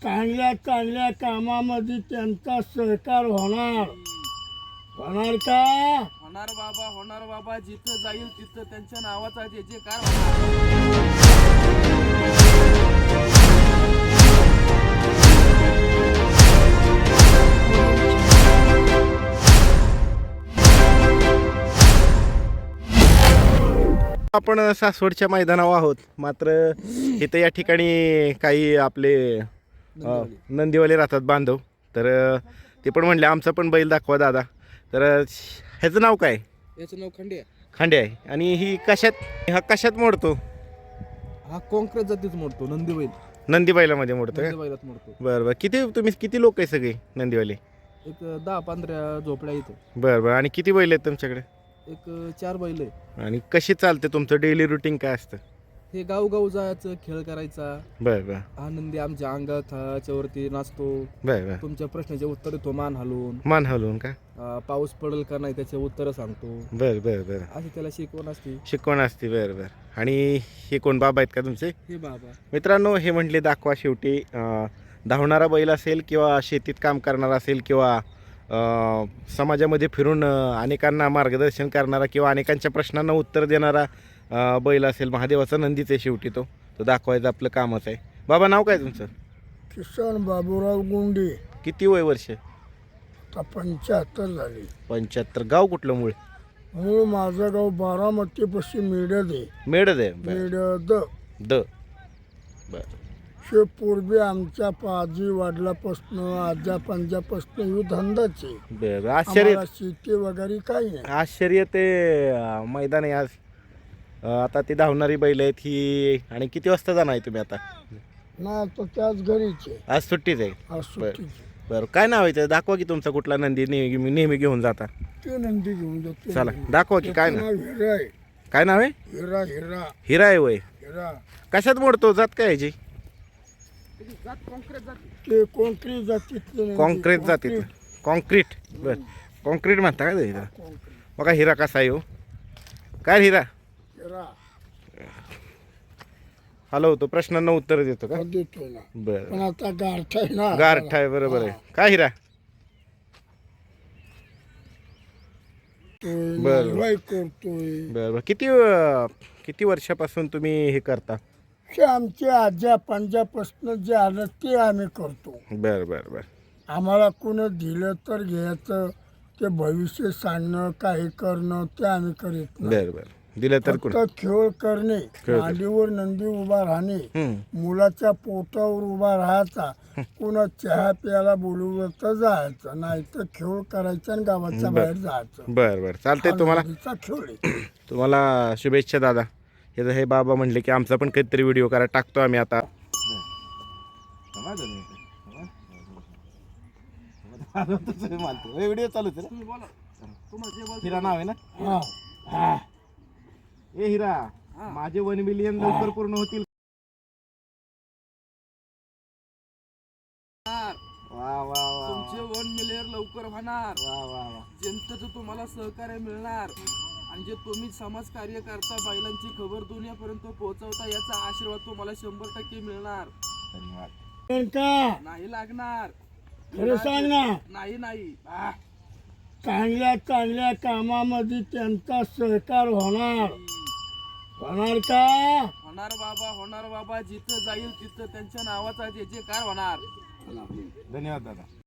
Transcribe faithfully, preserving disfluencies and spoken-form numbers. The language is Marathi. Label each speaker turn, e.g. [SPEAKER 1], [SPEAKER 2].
[SPEAKER 1] चांगल्या चांगल्या कामामध्ये त्यांचा सहकार होणार होणार का?
[SPEAKER 2] होणार बाबा, होणार बाबा. जिथं जाईल तिथं त्यांच्या नावाचा जे जे कार होणार.
[SPEAKER 3] आपण सासवडच्या मैदानावर आहोत. मात्र इथं या ठिकाणी काही आपले अ, नंदीवाले राहतात बांधव. तर अ, ते पण म्हणले आमचं पण बैल दाखवा दादा. तर अ, ह्याचं नाव काय?
[SPEAKER 2] याचं नाव खंडे आहे.
[SPEAKER 3] खांडे आहे. आणि ही कशात हा कशात मोडतो?
[SPEAKER 2] हा कॉन्क्रीट जातीच मोडतो. नंदी बैल
[SPEAKER 3] नंदी बैलामध्ये मोडतो का?
[SPEAKER 2] नंदी बैलात मोडतो.
[SPEAKER 3] बरं बरं. किती तुम्ही किती लोक आहे सगळे नंदीवाले?
[SPEAKER 2] एक दहा पंधरा झोपड्या इथं.
[SPEAKER 3] बरं बरं. आणि किती बैल आहेत तुमच्याकडे?
[SPEAKER 2] एक चार बैल आहे.
[SPEAKER 3] आणि कशी चालते तुमचं डेली रुटीन काय असतं?
[SPEAKER 2] हे गावगाव जायचं, खेळ करायचा.
[SPEAKER 3] बरं बरं
[SPEAKER 2] हा नंदी आमच्या अंगाच्या वरती नाचतो.
[SPEAKER 3] बरं बरं.
[SPEAKER 2] तुमच्या प्रश्नाचे उत्तर देतो मान हलवून.
[SPEAKER 3] मान हलवून का?
[SPEAKER 2] अं, पाऊस पडेल का नाही त्याचे उत्तर सांगतो.
[SPEAKER 3] बरं बरं बरं.
[SPEAKER 2] अशी त्याला शिकवण असते.
[SPEAKER 3] शिकवण असते. बरं बरं. आणि हे कोण बाबा आहेत का तुमचे?
[SPEAKER 2] हे बाबा
[SPEAKER 3] मित्रांनो, हे म्हटले दाखवा. शेवटी अं, धावणारा बैल असेल किंवा शेतीत काम करणारा असेल किंवा अं, समाजामध्ये फिरून अं, अनेकांना मार्गदर्शन करणारा किंवा अनेकांच्या प्रश्नांना उत्तर देणारा अं, बैल असेल. महादेवाचा नंदीच आहे शेवटी तो तो दाखवायचं आपलं कामच आहे. बाबा नाव काय तुमचं?
[SPEAKER 1] किसन बाबूराव गुंडे.
[SPEAKER 3] किती वय वर्ष?
[SPEAKER 1] आता पंच्याहत्तर झाली.
[SPEAKER 3] पंच्याहत्तर. गाव कुठलं मूळ?
[SPEAKER 1] मूळ माझं गाव बारामतीपाशी मेडद आहे.
[SPEAKER 3] मेडद आहे. बरं.
[SPEAKER 1] मेडद
[SPEAKER 3] द बरं
[SPEAKER 1] हे पूर्वी आमच्या पाजी वडिलापासनं आजा पंजापासनं ही धंदाचे.
[SPEAKER 3] बरं. आश्चर्य
[SPEAKER 1] आम्हाला शेती वगैरे काही नाही.
[SPEAKER 3] आश्चर्य ते अं, मैदान आहे आज. अं, आता ती धावणारी बैल आहेत ही. आणि किती वाजता जाणार आहे तुम्ही आता?
[SPEAKER 1] ना तर त्याच घरीचे
[SPEAKER 3] आज सुट्टीच आहे.
[SPEAKER 1] आज सुट्टीचे.
[SPEAKER 3] बरं. काय नाव आहे ते? दाखवा की तुमचा कुठला नंदी नेहमी नेहमी घेऊन जाता.
[SPEAKER 1] ते नंदी घेऊन जातो.
[SPEAKER 3] चला दाखवा की. काय नाव?
[SPEAKER 1] हिरा आहे.
[SPEAKER 3] काय नाव आहे?
[SPEAKER 1] हिरा हिरा
[SPEAKER 3] हिरा आहे वय.
[SPEAKER 1] हिरा
[SPEAKER 3] कशात मोडतो? जात काय याची?
[SPEAKER 1] ते कॉन्क्रीट जातीतले.
[SPEAKER 3] कॉन्क्रीट जातीत. कॉन्क्रीट. बरं. कॉन्क्रीट म्हणता काय हिरा? बघा हिरा कसा आहे हो. काय हिरा?
[SPEAKER 1] हिरा
[SPEAKER 3] हॅलो, तो प्रश्नांना उत्तर देतो का?
[SPEAKER 1] देतोय ना.
[SPEAKER 3] बरं.
[SPEAKER 1] पण आता गारठा आहे ना.
[SPEAKER 3] गारठा आहे. बरोबर आहे. काय हिरा? बरं.
[SPEAKER 1] वाई करतोय.
[SPEAKER 3] बरं बरं. किती अं, किती वर्षापासून तुम्ही हे करता?
[SPEAKER 1] हे आमचे आजा पंजापासनं जे आलं ते आम्ही करतो.
[SPEAKER 3] बरं बरं बरं.
[SPEAKER 1] आम्हाला कोणी दिलं तर घ्यायचं. ते भविष्य सांगणं काही करणं ते आम्ही करीत नाही.
[SPEAKER 3] बरं बरं. दिलं तर कोण?
[SPEAKER 1] फक्त खेळ करणे,
[SPEAKER 3] खेळ.
[SPEAKER 1] मांडीवर नंदी उभा राहणे,
[SPEAKER 3] हं.
[SPEAKER 1] मुलाच्या पोटावर उभा राहायचा, पुन्हा चहा प्यायला बोलवलं तर जायचं, नाही तर खेळ करायचा आणि गावाच्या
[SPEAKER 3] बरं.
[SPEAKER 1] बाहेर जायचं.
[SPEAKER 3] बरं बरं. चालतंय. तुम्हाला
[SPEAKER 1] नंदीचा खेळ आहे.
[SPEAKER 3] तुम्हाला शुभेच्छा दादा. हे हे बाबा म्हणले की आमचा पण काहीतरी व्हिडिओ करा, टाकतो आम्ही आता. व्हिडिओ चालू हिरा नाव आहे ना?
[SPEAKER 1] हा. हा.
[SPEAKER 3] ए हिरा, माझे वन मिलियन लवकर पूर्ण होतील. वा वा वा
[SPEAKER 2] तुमचे वन मिलियन लवकर होणार.
[SPEAKER 3] वा वा वा.
[SPEAKER 2] जनतेचं तुम्हाला सहकार्य मिळणार. आणि जे तुम्ही समाज कार्य करता, बैलांची खबर दुनियापर्यंत पोहोचवता, याचा आशीर्वाद तुम्हाला शंभर टक्के मिळणार.
[SPEAKER 3] धन्यवाद.
[SPEAKER 1] पण का
[SPEAKER 2] नाही लागणार.
[SPEAKER 1] खरं सांग ना.
[SPEAKER 2] नाही नाही आह,
[SPEAKER 1] चांगल्या चांगल्या कामामध्ये त्यांचा सहकार होणार होणार का?
[SPEAKER 2] होणार बाबा, होणार बाबा. जिथं जाईल तिथं त्यांच्या नावाचा जे जे कार होणार.
[SPEAKER 3] धन्यवाद दादा.